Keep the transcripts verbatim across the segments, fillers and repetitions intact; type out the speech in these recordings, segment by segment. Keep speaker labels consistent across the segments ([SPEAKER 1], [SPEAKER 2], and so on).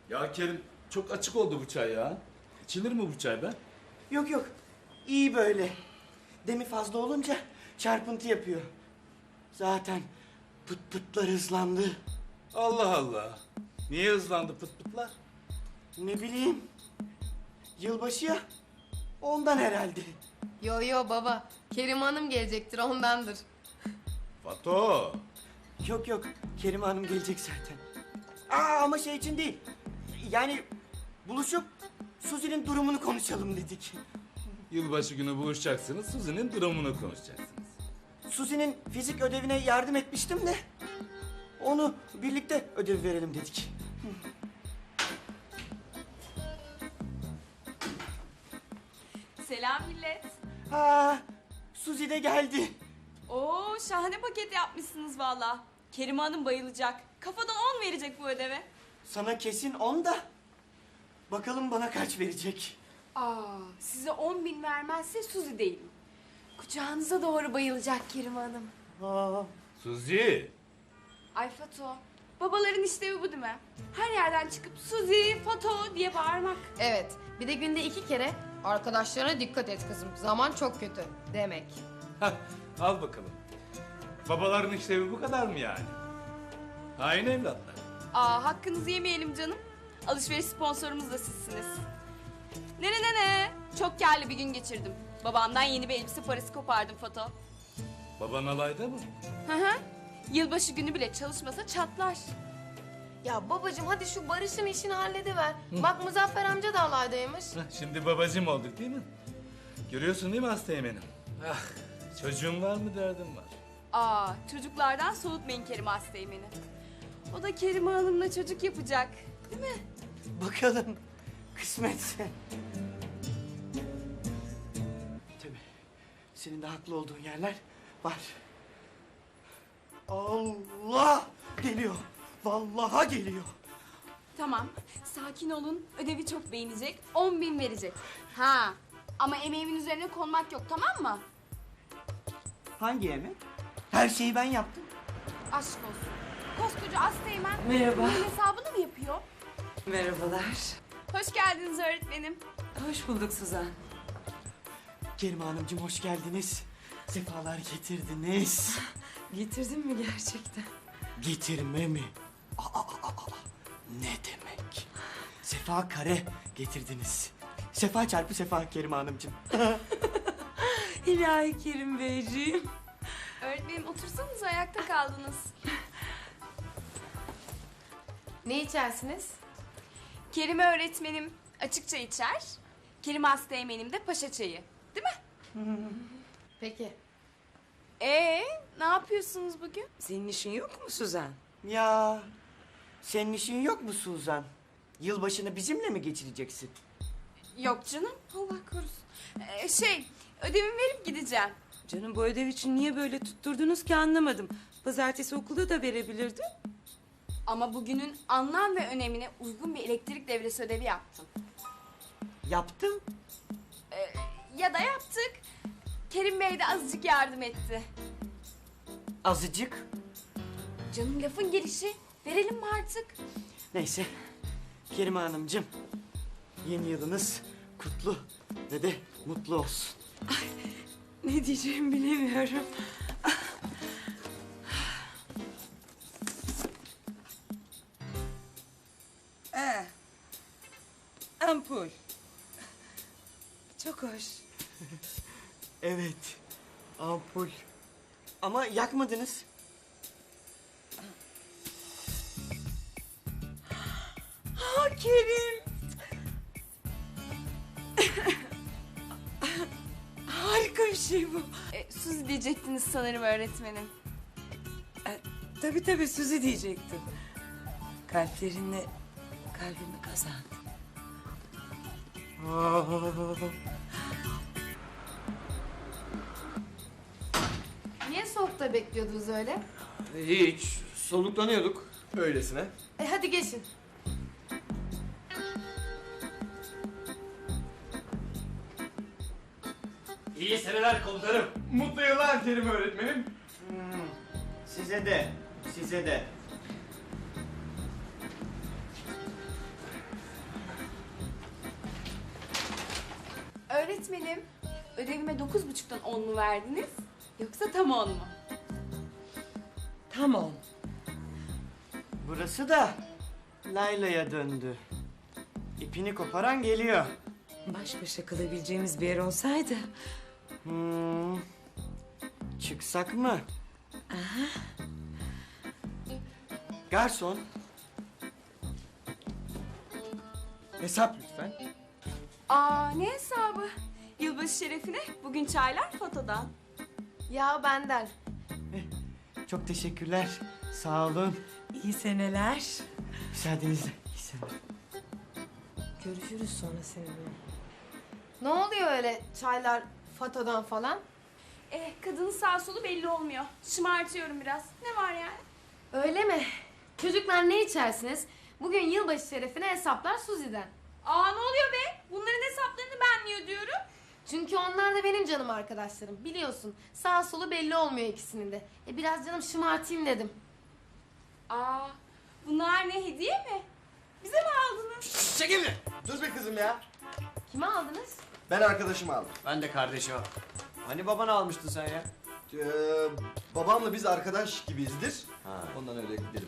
[SPEAKER 1] Ya Kerim çok açık oldu bu çay ya. İçilir mi bu çay be?
[SPEAKER 2] Yok yok. İyi böyle. Demi fazla olunca çarpıntı yapıyor. Zaten pıt pıtlar hızlandı.
[SPEAKER 1] Allah Allah. Niye hızlandı pıt pıtlar?
[SPEAKER 2] Ne bileyim. Yılbaşı ya. Ondan herhalde.
[SPEAKER 3] Yo yo baba. Kerim Hanım gelecektir ondandır.
[SPEAKER 1] Fato.
[SPEAKER 2] Yok yok. Kerime Hanım gelecek zaten. Aa ama şey için değil. Yani buluşup Suzi'nin durumunu konuşalım dedik.
[SPEAKER 1] Yılbaşı günü buluşacaksınız. Suzi'nin durumunu konuşacaksınız.
[SPEAKER 2] Suzi'nin fizik ödevine yardım etmiştim de onu birlikte ödev verelim dedik.
[SPEAKER 4] Selam millet.
[SPEAKER 2] Ha, Suzi de geldi.
[SPEAKER 4] Oo şahane paket yapmışsınız valla. Kerime Hanım bayılacak. Kafadan on verecek bu ödeve.
[SPEAKER 2] Sana kesin on da. Bakalım bana kaç verecek.
[SPEAKER 5] Aa, size on bin vermezse Suzi değilim. Kucağınıza doğru bayılacak Kerim Hanım.
[SPEAKER 2] Aa,
[SPEAKER 1] Suzi.
[SPEAKER 5] Ay Fato, babaların işlevi bu değil mi? Her yerden çıkıp Suzi, Fato diye bağırmak.
[SPEAKER 3] Evet. Bir de günde iki kere arkadaşlarına dikkat et kızım. Zaman çok kötü demek.
[SPEAKER 1] Hah, al bakalım. Babaların işlevi bu kadar mı yani? Hain evlatlar.
[SPEAKER 4] Aa hakkınızı yemeyelim canım. Alışveriş sponsorumuz da sizsiniz. Ne ne ne ne. Çok kârlı bir gün geçirdim. Babamdan yeni bir elbise parası kopardım Fato.
[SPEAKER 1] Baban alayda mı?
[SPEAKER 4] Hı hı. Yılbaşı günü bile çalışmasa çatlar.
[SPEAKER 3] Ya babacığım hadi şu Barış'ın işini hallediver. Bak Muzaffer amca da alaydaymış.
[SPEAKER 1] Hah, şimdi babacığım olduk değil mi? Görüyorsun değil mi hasta yemenim? Ah, çocuğum var mı derdim var.
[SPEAKER 4] Aa çocuklardan soğutmayın Kerime Hastaymen'i. O da Kerime Hanım'la çocuk yapacak. Değil mi?
[SPEAKER 2] bakalım kısmetse. Tabii senin de haklı olduğun yerler var. Allah geliyor. Vallahi geliyor.
[SPEAKER 4] Tamam, sakin olun. Ödevi çok beğenecek, on bin verecek. Ha, ama emeğimin üzerine konmak yok, tamam mı?
[SPEAKER 2] Hangi yemek? Her şeyi ben yaptım.
[SPEAKER 4] Aşk olsun. Koskoca Asteğmen
[SPEAKER 6] Merhaba.
[SPEAKER 4] bunun hesabını mı yapıyor?
[SPEAKER 6] Merhabalar.
[SPEAKER 4] Hoş geldiniz öğretmenim.
[SPEAKER 6] Hoş bulduk Suzan.
[SPEAKER 2] Kerime Hanımcığım hoş geldiniz. Sefalar getirdiniz.
[SPEAKER 6] Getirdin mi gerçekten?
[SPEAKER 2] Getirme mi? Aa, aa, aa, aa. Ne demek? Sefa kare getirdiniz. Sefa çarpı sefa Kerime Hanımcığım.
[SPEAKER 6] İlahi Kerim Beyciğim.
[SPEAKER 4] Öğretmenim otursanız ayakta kaldınız.
[SPEAKER 3] Ne içersiniz?
[SPEAKER 4] Kerime öğretmenim açıkça içer. Kerime Asteğmen'im de paşa çayı. Değil mi?
[SPEAKER 3] Peki.
[SPEAKER 4] Ee, ne yapıyorsunuz bugün?
[SPEAKER 6] Senin işin yok mu Suzan?
[SPEAKER 2] Ya senin işin yok mu Suzan? Yılbaşını bizimle mi geçireceksin?
[SPEAKER 4] Yok canım, Allah korusun. Ee, şey, ödevimi verip gideceğim.
[SPEAKER 6] Canım bu ödev için niye böyle tutturdunuz ki anlamadım. Pazartesi okulda da verebilirdin.
[SPEAKER 4] Ama bugünün anlam ve önemine uygun bir elektrik devresi ödevi yaptım.
[SPEAKER 2] Yaptım.
[SPEAKER 4] Ee, ya da yaptık. Kerim Bey de azıcık yardım etti.
[SPEAKER 2] Azıcık.
[SPEAKER 4] Canım lafın gelişi. Verelim mi artık?
[SPEAKER 2] Neyse. Kerime Hanımcığım. Yeni yılınız kutlu ve de mutlu olsun.
[SPEAKER 6] Ne diyeceğimi bilemiyorum. Ee, ampul. Çok hoş.
[SPEAKER 2] Evet. Ampul. Ama yakmadınız.
[SPEAKER 6] Ha Kerim. Harika bir şey bu.
[SPEAKER 4] Ee, Suzi diyecektiniz sanırım öğretmenim.
[SPEAKER 6] E, tabii tabii Suzi diyecektim. Kalplerinle kalbimi kazandım.
[SPEAKER 3] Niye soğukta bekliyordunuz öyle?
[SPEAKER 7] Hiç. Soluklanıyorduk öylesine.
[SPEAKER 3] E hadi geçin.
[SPEAKER 7] İyi seneler komutanım. Mutlu yıllar Kerim öğretmenim.
[SPEAKER 2] Size de. Size de.
[SPEAKER 5] öğretmenim, ödevime dokuz buçuktan on mu verdiniz? Yoksa tam on mu?
[SPEAKER 6] Tamam.
[SPEAKER 2] Burası da Layla'ya döndü. İpini koparan geliyor.
[SPEAKER 6] Baş başa kalabileceğimiz bir yer olsaydı.
[SPEAKER 2] Hmm. Çıksak mı? Garson. Hesap lütfen.
[SPEAKER 5] Aa, ne hesabı? Yılbaşı şerefine bugün çaylar fotodan.
[SPEAKER 3] Ya benden.
[SPEAKER 2] Çok teşekkürler. Sağ olun.
[SPEAKER 6] İyi seneler.
[SPEAKER 2] Müsaadenizle. İyi seneler.
[SPEAKER 3] Görüşürüz sonra seninle. Ne oluyor öyle çaylar fotodan falan?
[SPEAKER 5] Eh, kadının sağ solu belli olmuyor. Şımartıyorum biraz. Ne var yani?
[SPEAKER 3] Öyle mi? Çocuklar ne içersiniz? Bugün yılbaşı şerefine hesaplar Suzi'den.
[SPEAKER 5] Aa, ne oluyor be? Bunların hesaplarını ben niye ödüyorum?
[SPEAKER 3] Çünkü onlar da benim canım arkadaşlarım. Biliyorsun sağ solu belli olmuyor ikisinin de. E biraz canım şımartayım dedim.
[SPEAKER 5] Aa, bunlar ne, hediye mi? Bize mi aldınız?
[SPEAKER 8] Çekil mi? Dur be kızım ya.
[SPEAKER 3] Kime aldınız?
[SPEAKER 8] Ben arkadaşımı aldım.
[SPEAKER 2] Ben de kardeşim. Hani babanı almıştın sen ya?
[SPEAKER 8] Ee, babamla biz arkadaş gibiyizdir. Ondan öyle dedim.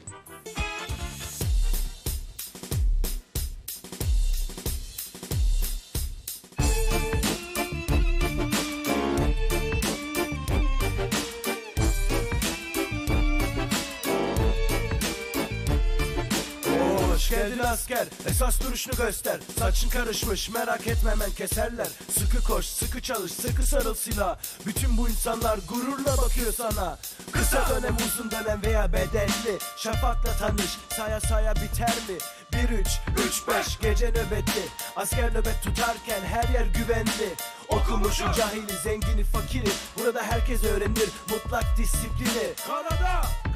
[SPEAKER 9] Hoş geldin asker, esas duruşunu göster. Saçın karışmış, merak etme hemen keserler. Sıkı koş, sıkı çalış, sıkı sarıl silah. Bütün bu insanlar gururla bakıyor sana. Kısa dönem, uzun dönem veya bedelli. Şafakla tanış, saya saya biter mi? Bir üç, üç beş gece nöbeti. Asker nöbet tutarken her yer güvenli. Okumuşu, cahili, zengini, fakiri. Burada herkes öğrenir mutlak disiplini. Kanada!